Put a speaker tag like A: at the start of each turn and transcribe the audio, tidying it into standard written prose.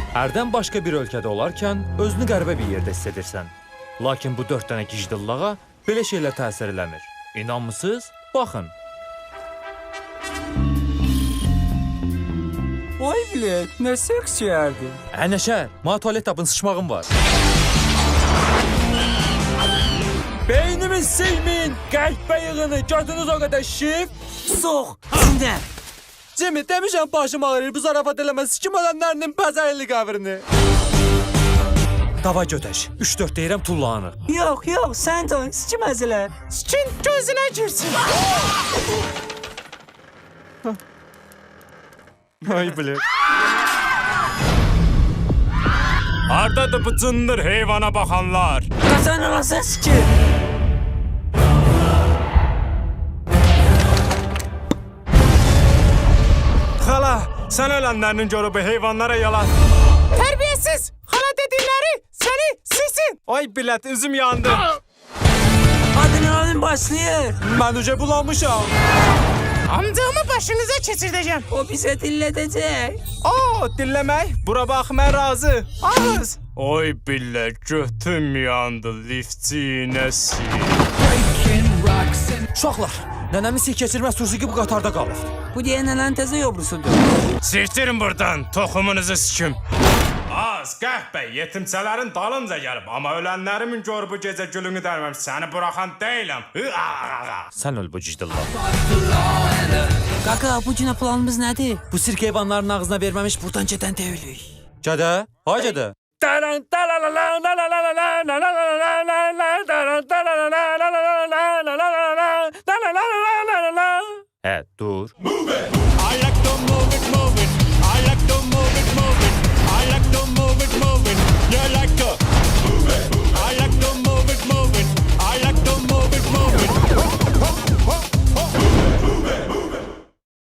A: Ərdən başqa bir ölkədə olarkən özünü qəribə bir yerdə hiss edirsən. Lakin bu 4 dənə gicdillağa belə şeylər təsir eləmir. İnanmısınız? Baxın.
B: Oy bilet, nə seksiyərdi.
A: Nəşər, mənə tualet tapın, sıçmağım var. Beynimin silmin, qəlbə yığını, gördünüz o qədər şif.
B: Soğ, içində.
A: Cemil, demişəm başım ağrır, bu zarafat eləməz, sikim ölənlərinin pəzərli qəbrini. Dava götəş, 3-4 deyirəm tullanır.
B: Yox, sən də sikim əzələr.
A: Sikin gözünə girsin. Ay bilir.
C: Hardadır bu cındır heyvana baxanlar?
B: Qazan alasın sikim.
C: Xala, sən ölənlərinin görüb heyvanlara yalan. Tərbiyəsiz! Xala dedikləri səni sisin! Ay bilet, üzüm yandı.
B: Adrenalin başlayır.
A: Mən uca bulanmışam.
C: Amcamı başınıza keçirdəcəm.
B: O bizə dillədəcək.
C: O, dilləmək? Bura bax, mən razı. Ağız. Oy billə, götüm yandı, liftçinəsi.
A: Uşaqlar, nənəmin sih keçirməz turşu ki bu qatarda qalır.
B: Bu deyən nənənin təzə yobrusudur.
C: Siktirin buradan, toxumunuzu sikim. Az, qəhbə, yetimçələrin dalınca gəlib. Amma ölənlərimin gör bu gecə gülünü dərməm. Səni buraxan deyiləm.
A: Sən öl bu gicdillah.
B: Qaqa, bu günə planımız nədir?
A: Bu sirk heyvanların ağzına verməmiş buradan gedən deyilik. Gədə, hay gədə. Hə, dur.